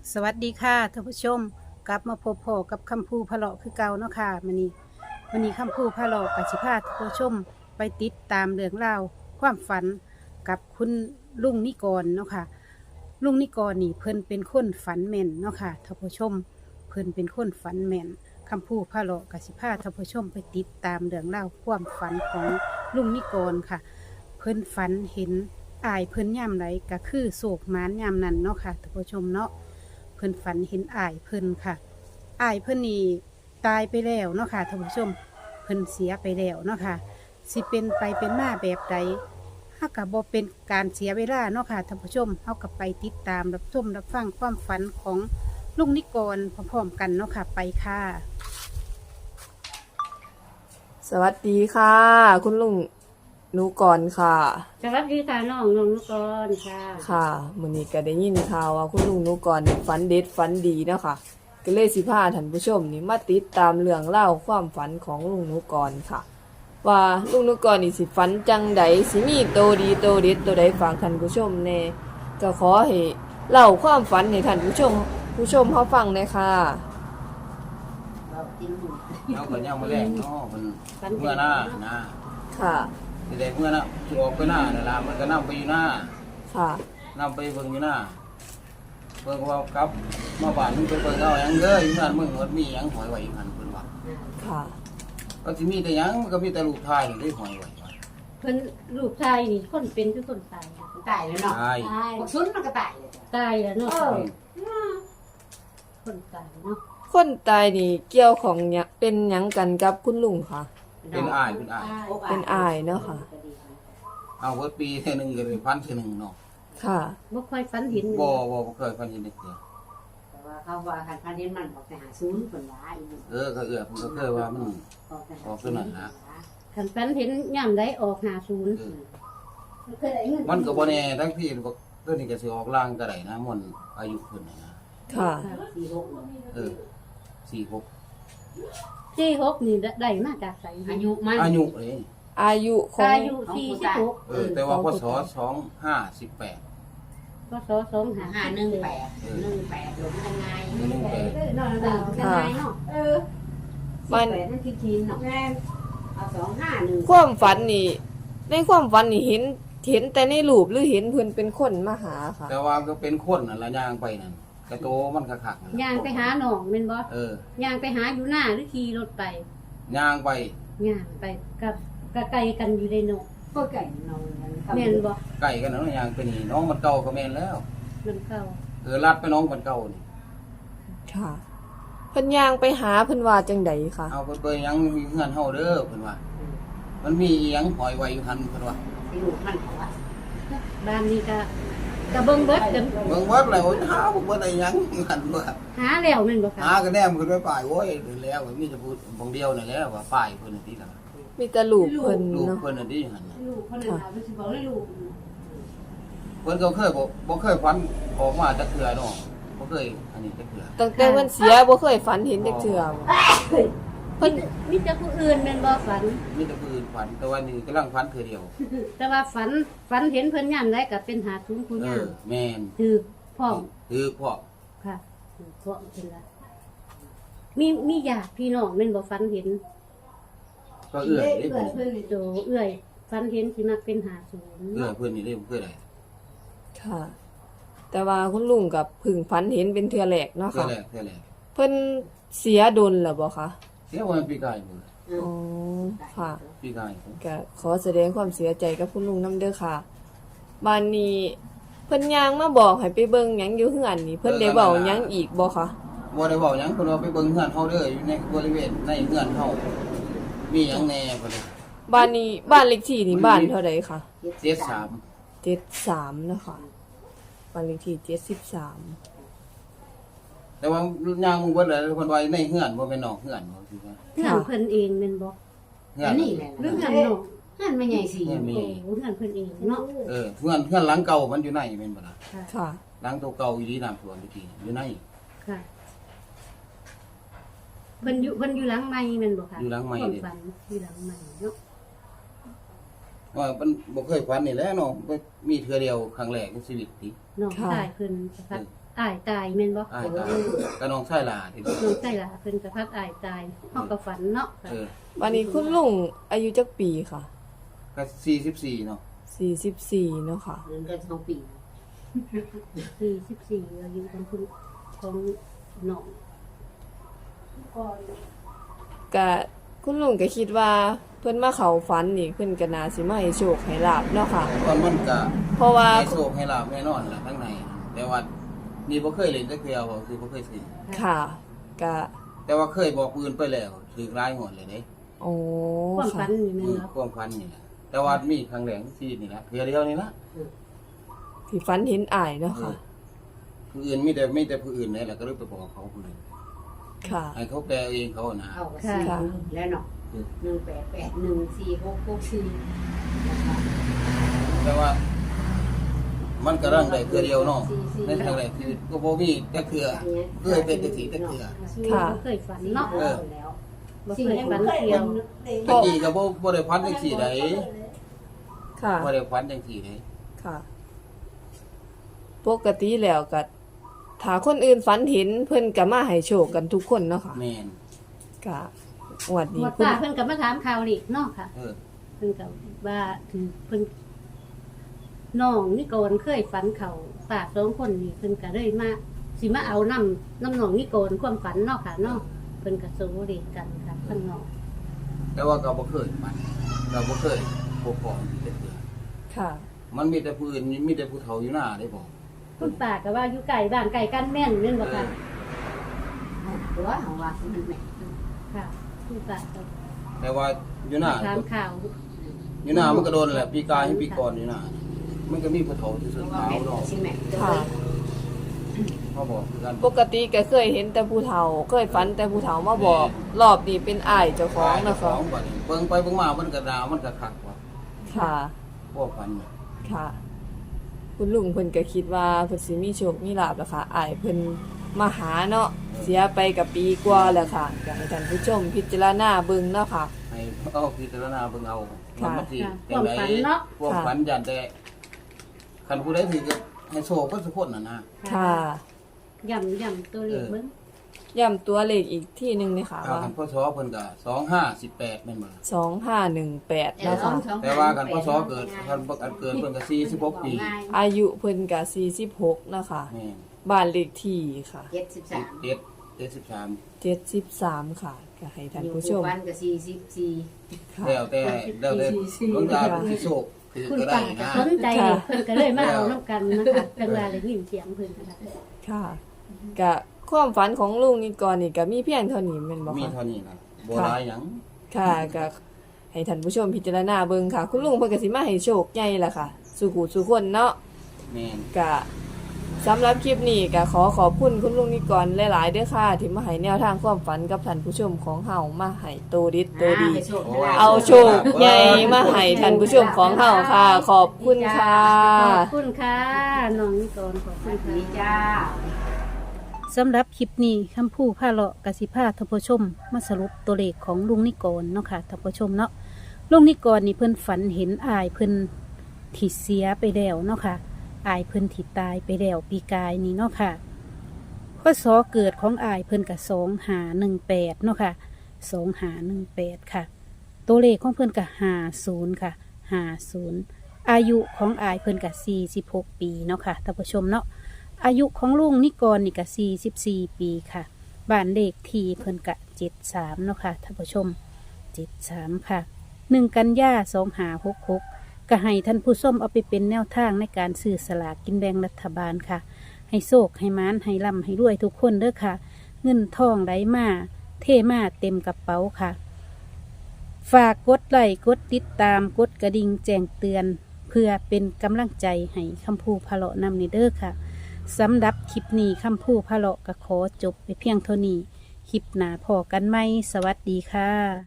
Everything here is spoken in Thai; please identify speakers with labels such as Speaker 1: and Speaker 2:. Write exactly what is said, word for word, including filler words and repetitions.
Speaker 1: สวัสดีค่ะท่านผู้ชมกลับมาพบพอกับคำพูพะเลาะคือเก่าเนาะค่ะมันนี้วันนี้คำพูพะเลาะกับสิพาท่านผู้ชมไปติดตามเรื่องราวความฝันกับคุณลุงนิกรเนาะค่ะลุงนิกรนี่เพิ่นเป็นคนฝันแม่นเนาะค่ะท่านผู้ชมเพิ่นเป็นคนฝันแม่นคำพูพะเลาะกับสิพาท่านผู้ชมไปติดตามเรื่องราวความฝันของลุงนิกรค่ะ เพิ่นฝันเห็นอายเพิ่นย่ำไรก็คือโศกหมานย่ำนั้นเนาะค่ะท่านผู้ชมเนาะ เพิ่นฝันเห็นอ้ายเพิ่นค่ะอ้ายเพิ่นนี่ตายไปแล้วเนาะค่ะท่านผู้ชมเพิ่นเสียไปแล้วเนาะค่ะสิเป็นไปเป็นมาแบบใดเฮาก็บ่เป็นการเสียเวลาเนาะค่ะท่านผู้ชมเฮาก็ไปติดตามรับชมรับฟังความฝันของลุงนิกรพร้อมๆกันเนาะค่ะไปค่ะ
Speaker 2: สวัสดีค่ะ คุณลุงหนูก่อนค่ะ
Speaker 3: สวัสดีค่ะน้องน้องนุกรค่ะ
Speaker 2: ค่ะมื้อนี้ก็ได้ยินข่าวว่าคุณลุงหนูก่อนนี่ฝันเด็ดฝันดีเนาะค่ะก็เลยสิพาท่านผู้ชมนี่มาติดตามเรื่องเล่าวความฝันของลุงหนูก่อนค่ะ ว่าลุงหนูก่อนนี่สิฝันจังใดสิมีโตดีโตเด็ดตัวใดฝากท่านผู้ชมแน่ก็ขอให้เล่าความฝันให้ท่านผู้ชมผู้ชมเฮาฟังหน่อยค่ะ
Speaker 4: เอาก็ยังมาแรงเนาะมันเมื่อหน้านะ
Speaker 2: ค่ะ
Speaker 4: ทีแรกเมื่อหน้าสิออกไปหน้านั่นล่ะมันก็นำไปอยู่หน้า
Speaker 2: ค่ะ
Speaker 4: นำไปเบิ่งอยู่หน้าเบิ่งว่าครับมาบ้านมึงไปเบิ่งเอาหยังเด้ออยู่นั่นมึงมันมีหยังหอยไว้อยู่หั่นเพิ่นว่า
Speaker 2: ค่ะ
Speaker 4: ก็สิมีแต่หยังมันก็มีแต่ลูกชายนี่ได้หอยไว้ว่า
Speaker 3: เพิ่นลูกชายนี่คนเป็นคือคนตายนะ
Speaker 5: ตายแล้วเนาะ
Speaker 4: ใช่
Speaker 3: ตาย
Speaker 5: บักซุนมันก็ตายเลย
Speaker 3: ตายแล้วเนาะ
Speaker 5: เออ
Speaker 3: คนตายเนาะ
Speaker 2: คนตายนี่เกี่ยวของหยังเป็นหยังกันกับคุณลุงค่ะ
Speaker 4: เป็นอ้ายเป็นอ้าย
Speaker 2: เป็นอายเนาะค่ะ
Speaker 4: เอาเบิดปีเท่อหนึงก็ได้พันเท่อหนึงเนาะ
Speaker 2: ค่ะ
Speaker 3: บ่ค่อยฝันเห็น
Speaker 4: บ่บ่บ่เคยพันเห็นเด้อ
Speaker 5: แต่ว่าเขาว่าคันพันเห็นมันบอกไปหาศูนย์คนว่าอีก
Speaker 4: เออก็เอื้อเพิ่นก็เคยว่ามัน
Speaker 5: บอกไปหา
Speaker 4: ออกตัวนั้นนะ
Speaker 3: คันฝันเห็นย่ำได้ออกหาศูนย์
Speaker 4: เออ
Speaker 3: เคยได้เงิน
Speaker 4: มันก็บ่แน่ทั้งที่ก็ตัวนี้ก็สิออกล่างก็ได้นะมันอายุเพิ่นน่ะนะ
Speaker 2: ค่ะ
Speaker 5: สี่หก
Speaker 4: เออสี่หก
Speaker 3: สี่หกนี่ได้มาจากไส
Speaker 5: อายุมัน
Speaker 4: อายุเลย
Speaker 2: อายุของ
Speaker 3: อายุสี่สิบหก
Speaker 4: เออแต่ว่าพศสองห้าสิบแปด
Speaker 3: พศสองห้า
Speaker 5: ห้าหนึ่งแปดหนึ่งแปดหลงยังไง
Speaker 4: หนึ่งแปด
Speaker 3: เนาะเนาะยังไงเนาะ
Speaker 5: เออสิบแปดนั่นคือทีนเนาะเอาสองห้าหนึ่ง
Speaker 2: ความฝันนี่ในความฝันนี่เห็นเห็นแต่ในรูปหรือเห็นเพิ่นเป็นคนมาหาค่ะ
Speaker 4: แต่ว่าก็เป็นคนน่ะละย่างไปนั่นกระโตมันคักๆนั่นล่ะ
Speaker 3: ย่างไปหาน้องแม่นบ่
Speaker 4: เออย่าง
Speaker 3: ไปหาอยู่หน้าหรือขี่รถไป
Speaker 4: ย่างไป
Speaker 3: ย่างไปกับกะไกลกันอยู่ในเนาะ
Speaker 5: ก็ไก่นอน
Speaker 3: แม่นบ่
Speaker 4: ใกล้กันนะย่างไปนี่น้องมันเก่าก็แม่นแล้ว
Speaker 3: มันเก่า
Speaker 4: เออลัดไปน้องมันเก่านี่
Speaker 2: ค่ะเพิ่นย่างไปหาเพิ่นว่าจังใดค่ะ
Speaker 4: เอาไปเปยยังมีเฮือนเฮาเด้อเพิ่นว่า มันมีอีหยังหอยไว้อยู่หั่นเพิ่นว่า
Speaker 5: ที่ลูกมันเขาว่า
Speaker 3: บ้านนี้ก็ก็เบิ่งเบิดกัน
Speaker 4: เบิ่งวัดแล้วหาบ่บ่ได้หยังหั่นว่า
Speaker 3: หาแล้วแม่นบ่
Speaker 4: หา
Speaker 3: คะ
Speaker 4: ก็แนมขึ้นไปป้ายโอ้ยเดี๋ยวแล้วมีจะพูดบางเดียวนั่นแหละว่าป้ายเพิ่นน่ะติล่ะ
Speaker 2: มีแต่รูปเพิ่น
Speaker 4: ลูก
Speaker 2: เนาะ
Speaker 4: เพิ่นน่ะติหั่นน่ะ
Speaker 3: ลูกคนนั้นเอาไปสิบอกให้ลูก
Speaker 4: เพิ่นก็เคยบ่บ่เคยฝันออกมาจักเทื่อเนาะบ่เคยอันนี้จักเทื่อ
Speaker 2: ตั้งแต่เพิ่นเสียบ่เคยฝันเห็นจักเทื่อเพิ่น
Speaker 3: มีแต่ผู้อื่นแม่นบ่ฝัน
Speaker 4: มีแต่ผู้อื่นฝันแต่ว่านี่กำลังฝันเทื่อเดียว
Speaker 3: แต่ว่าฝันฝันเห็นเพิ่นยามใดก็เป็นหาทุนผู้าม
Speaker 4: เอยอแม่น
Speaker 3: ถือพร้อม
Speaker 4: คือพ่อ
Speaker 3: ค่ะถือพร้อมเพิ่นละมีมีญาติพี่น้องแม่นบ่ฝันเห็น
Speaker 4: ก็เอื้อยได้เพิ่น
Speaker 3: เพิ่นโตเอื้อยฝันเห็นสิมักเป็นหาศูนย์
Speaker 4: เอื้อยเพิ่นนี่ได้บ่เคยได้
Speaker 2: ค่ะ แต่ว่าคุณลุงกับเพึ่งฝันเห็นเป็นเทื่อแรกเนาะ
Speaker 4: เทื่อ
Speaker 2: ค่ะ
Speaker 4: แรกเทื่อแรก
Speaker 2: เพิ่นเสียดนแล้วบ่คะ
Speaker 4: เสียวันปีกายมื้อ
Speaker 2: อ๋อค่ะ
Speaker 4: ปีกาย
Speaker 2: ก็ขอแสดงความเสียใจกับคุณลุงนำเด้อค่ะบ้านนี้เพิ่นย่างมาบอกให้ไปเบิ่งหยังอยู่เฮือนนี่เพิ่นได้เว้าหยังอีกบ่คะ
Speaker 4: บ่ได้เว้าหยังเพิ่นว่าไปเบิ่งเฮือนเฮาเด้ออยู่ในบริเวณในเฮือนเฮามีหยังแหน่เพิ่น
Speaker 2: บ้านนี้บ้านเลขที่นี่บ้านเท่าใดคะ
Speaker 4: เจ็ดสาม
Speaker 2: เจ็ดสามเนาะค่ะบ้านเลขที่เจ็ดสิบสาม
Speaker 4: แต่ว่ายางมึงเบิดแล้วเพิ่นว่าในเฮือนบ่แม่นนอกเฮือนบ่สิว่า
Speaker 3: เฮือนเพิ่นเองแม่นบ่
Speaker 4: เฮือ
Speaker 5: อั
Speaker 4: น
Speaker 5: นนี้แหละ
Speaker 3: หรือเฮือนน้อง
Speaker 5: นั่นไม่ใหญ่สิ
Speaker 4: เฮือนมี
Speaker 3: โอ้เฮือนเพิ่นเองเนาะ
Speaker 4: เออเฮือนเฮือนหลังเก่ามันอยู่ในแม่นบ่ล่ะ
Speaker 3: ค่ะ
Speaker 2: ค่ะ
Speaker 4: หลังตัวเก่าอยู่ที่น้ำท่วมอยู่ที่อยู่ใน
Speaker 3: ค่ะเพิ่นอยู่เพิ่นอยู่หลังใหม่แม่นบ่คะ
Speaker 4: อยู่หลังใหม่
Speaker 3: ความ
Speaker 4: เด้
Speaker 3: ฝันอยู่หลังใหม่เนาะ
Speaker 4: ว่ามันบ่เคยฝันนี่แหละเนาะมีเทื่อเดียวครั้งแรกในชีวิตติ
Speaker 3: น้องชายเพิ่นสักพักอ้ายตายแม่นบ่
Speaker 4: อ้ายตายก็น้องชายหลาที่
Speaker 3: น้องใส่ล่ะเพิ่นก็พัดอ้ายตายเฮาก็ฝันเนาะค่ะ
Speaker 4: เออ
Speaker 2: วันนี้คุณลุงอายุจักปีค่ะ
Speaker 4: ก็สี่สิบสี่เนาะ
Speaker 2: สี่สิบสี่เนาะค่ะ
Speaker 5: เดือนกันสองปี
Speaker 3: สี่สิบสี่อายุของคุณของน้อง
Speaker 2: ก็คุณลุงก็คิดว่าเพิ่นมาเข้าฝันนี่เพิ่นก็น่าสิมาให้โชคให้ลาบเนาะค่ะ
Speaker 4: ตอนมันก็
Speaker 2: เพราะว่า
Speaker 4: ให้โชคให้ลาบแน่นอนล่ะข้างในแต่ว่านี่บ่เคยเล่นจักเทื่อบ่คือบ่เคยซื้อ
Speaker 2: ค่ะก็
Speaker 4: แต่ว่าเคยบอกอื่นไปแล้วถือรายหดเลยเด้
Speaker 2: โอ้
Speaker 3: ความฝั
Speaker 2: ค่ะ
Speaker 3: นนี่แม่น
Speaker 4: คือ
Speaker 3: เนาะ
Speaker 4: ความพันนี่แหละแต่ว่ามีครั้งแรกที่นี่ละเทื่อเดียวนี่ละ
Speaker 2: ที่ฝันเห็นอ้ายเนาะค่ะ
Speaker 4: ผู้อื่นมีแต่มีแต่ผู้อื่นนี่แหละก็เลยไปบอกเขาผู้อื่น
Speaker 2: ค่ะ
Speaker 4: ให้เขาแปลเองเขานะ
Speaker 5: เอาก็สี่แล้วเนาะหนึ่งแปดแปดหนึ่งสี่หกหกสี่นะคะ
Speaker 4: แต่ว่า มันก็ร่างได้เทื่อเดียวเนาะในครั้งแรกคือก็บ่มีแต่เทื่อเคยเป็นแต่สีแต่เทื่อ
Speaker 2: ค่ะ
Speaker 3: บ่เคยฝันเนาะ
Speaker 4: เออ
Speaker 5: แล้ว
Speaker 3: บ่เคยฝันเกี่ยว
Speaker 4: ตะกี้ก็บ่บ่ได้พันจังซี่ได
Speaker 2: ค่ะ
Speaker 4: บ่ได้พันจังซี่ได
Speaker 2: ค่ะ ปกติแล้วก็ถ้าคนอื่นฝันเห็นเพิ่นก็มาให้โชคกันทุกคนเนาะค่ะ
Speaker 4: แม่น
Speaker 2: ก็งวด
Speaker 3: หม
Speaker 2: นี้
Speaker 3: ด
Speaker 2: คุณ
Speaker 3: ตาเพิ่นก็มาถามข่าวอีกเนาะค่ะ
Speaker 4: เออ
Speaker 3: เพิ่นก็ว่าถึงเพิ่นน้องนี่โกนเคยฝันเขาปากสองคนนี่เพิ่นก็เลยมาสิมาเอาน้ำน้ำหนองนี่โกนความฝันเนาะค่ะเนาะเพิ่นก็สู้เรีกันค่ะข้างนอก
Speaker 4: แต่ว่าก็บ่เคยมันก็บ่เคยพบของที่เทื่อ
Speaker 2: ค่ะ
Speaker 4: มันมีแต่ผู้อื่นมีแต่ผู้เฒ่าอยู่หน้าได้บ่
Speaker 3: คุณป้าก็ว่าอยู่ไก่บ้านไก่กันแม่นแม่นบ่ค่ะ
Speaker 5: ตัวของว่าสิมันแม่
Speaker 3: ค่ะคุณป้าก็
Speaker 4: แต่ว่าอยู่หน้า
Speaker 3: ถามข่าว
Speaker 4: อยู่หน้ามันก็โดนแหละปีกายให้ปีก่อนอยู่หน้ามันก็มีผู้เฒ่าที่สุด
Speaker 5: ว่า
Speaker 4: ขาว
Speaker 5: แม่
Speaker 4: เนาะ
Speaker 5: สิแม่
Speaker 2: ค่ะ
Speaker 4: เขาบอกคือกัน
Speaker 2: ปกติก็เคยเห็นแต่ผู้เฒ่า เคยฝันแต่ผู้เฒ่ามาบอก รอบนี้เป็นอ้ายเจ้าของ
Speaker 4: เจ้า
Speaker 2: นะ
Speaker 4: ข
Speaker 2: คะ
Speaker 4: องบัดนี้เบิ่งไปเบิ่งมามันก็ดาวมันก็คักว่า
Speaker 2: ค่ะ
Speaker 4: พวกพันเนี่ย
Speaker 2: ค่ะ คุณลุงเพิ่นก็คิดว่าเพิ่นสิมีโชคมีลาภแล้วค่ะอ้ายเพิ่นมาหาเนาะเสียไปกับปีกว่าแล้วค่ะอยากให้ท่านผู้ชมพิจารณาเบิ่งเนาะค่ะ
Speaker 4: ให้เอาพิจารณาเบิ่งเอา
Speaker 2: ค่ะ
Speaker 4: มันสิ
Speaker 3: ค่ะค
Speaker 4: จั
Speaker 3: วาง ม
Speaker 4: ได
Speaker 3: ฝันเนาะ
Speaker 4: พวกพันยันแต่คันผู้ใดถือก็ให้โชคก็สุคนน่ะนะ
Speaker 2: ค่ะ
Speaker 3: ย่ำย่ำตัวเลขเบิ่ง
Speaker 2: ย้ำตัวเลขอีกที่หนึงเลยค่ะ
Speaker 4: เอา
Speaker 2: ว่า
Speaker 4: คันพ่อชอเพิ่นก็สองห้าสิบแปดแม่นบ่ล่ะ
Speaker 2: สองห้าหนึ่งแปด
Speaker 5: แล้ว
Speaker 2: นะ
Speaker 5: สอ
Speaker 2: คะ
Speaker 5: งสอง
Speaker 4: แต่ว่าคันพ่อชอเกิดคันบ่อันเกิดเพิ่นก็สี่สิบหกปี
Speaker 2: อายุเพิ่นก็สี่สิบหกนะคะ
Speaker 4: แม่น
Speaker 2: บ้านเลขที่ค่ะ
Speaker 5: เจ็ดสิบสาม
Speaker 4: เจ็ดเจ็ดสิบสาม
Speaker 2: เจ็ดสิบสามค่ะก็ให้ท่านผู้ชม
Speaker 5: วันก็สี่สิบสี่
Speaker 2: ค่ะ
Speaker 4: แล้วแต่แล้วแต่ดวงตาสิโชคคือ
Speaker 3: คุณ
Speaker 4: ก็ได้
Speaker 3: ป้าก็
Speaker 4: นะ
Speaker 3: สนใจเพิ่นก็เลยมาเอาน้ำกันนะคะจังว่าเลยยินเสียงเพิ่นนะคะ
Speaker 2: ค่ะก็ความฝันของลุงนี่ก่อนนี่ก็มีเพียงเท่านี้แม่นบ่
Speaker 4: มี
Speaker 2: คะ
Speaker 4: เท่านี้นะบ่หลายหยัง
Speaker 2: ค่ะก็ให้ท่านผู้ชมพิจารณาเบิ่งค่ะ คุณลุงเพิ่นก็สิมาให้โชคใหญ่ล่ะค่ะสู่หูสู่คนเนาะ
Speaker 4: แม่น
Speaker 2: ก็สำหรับคลิปนี้ก็ขอขอบคุณคุณลุงนิกรหลายๆเด้อค่ะที่มาให้แนวทางความฝันกับท่านผู้ชมของเฮามาให้โตดิดโตดี เอาโชคใหญ่มาให้ท่านผู้ชมของเฮาค่ะ ขอบคุณค่ะ
Speaker 3: ขอบคุณค่ะน้องนิกรขอบคุณค่ะ
Speaker 5: ดีจ้า
Speaker 1: สำหรับคลิปนี้คำพูดผ้าเลาะกสิพาท่านผู้ชมมาสรุปตัวเลขของลุงนิกรเนาะค่ะท่านผู้ชมเนาะลุงนิกรนี่เพิ่นฝันเห็นอายเพิ่นที่เสียไปแล้วเนาะค่ะอายเพิ่นที่ตายไปแล้วปีกายนี่เนาะค่ะข้อสอเกิดของอายเพิ่นกับสองหาหนึ่งแปดเนาะค่ะสองหาหนึ่งแปดค่ะ ตัวเลขของเพิ่นกับหาศูนย์ค่ะหาศูนย์อายุของอายเพิ่นกับสี่สิบหกปีเนาะค่ะท่านผู้ชมเนาะอายุของลุงนิกรนี่ก็สี่สิบสี่ปีค่ะบ้านเลขที่เพิ่นกะเจ็ดสามเนาะค่ะท่านผู้ชมเจ็ดสามค่ะหนึ่งกันยาสองหาหกหกก็ให้ท่านผู้ชมเอาไปเป็นแนวทางในการซื้อสลากกินแบ่งรัฐบาลค่ะให้โชคให้มานให้ร่ำให้รวยทุกคนเด้อค่ะ เงินทองไหลมาเทมาเต็มกระเป๋าค่ะ ฝากกดไลค์กดติดตามกดกระดิ่งแจ้งเตือน เพื่อเป็นกำลังใจให้คำพูพะเลาะนำในเด้อค่ะสำหรับคลิปนี้คำพูพะเลาะก็ขอจบไปเพียงเท่านี้คลิปหน้าพอกันไหมสวัสดีค่ะ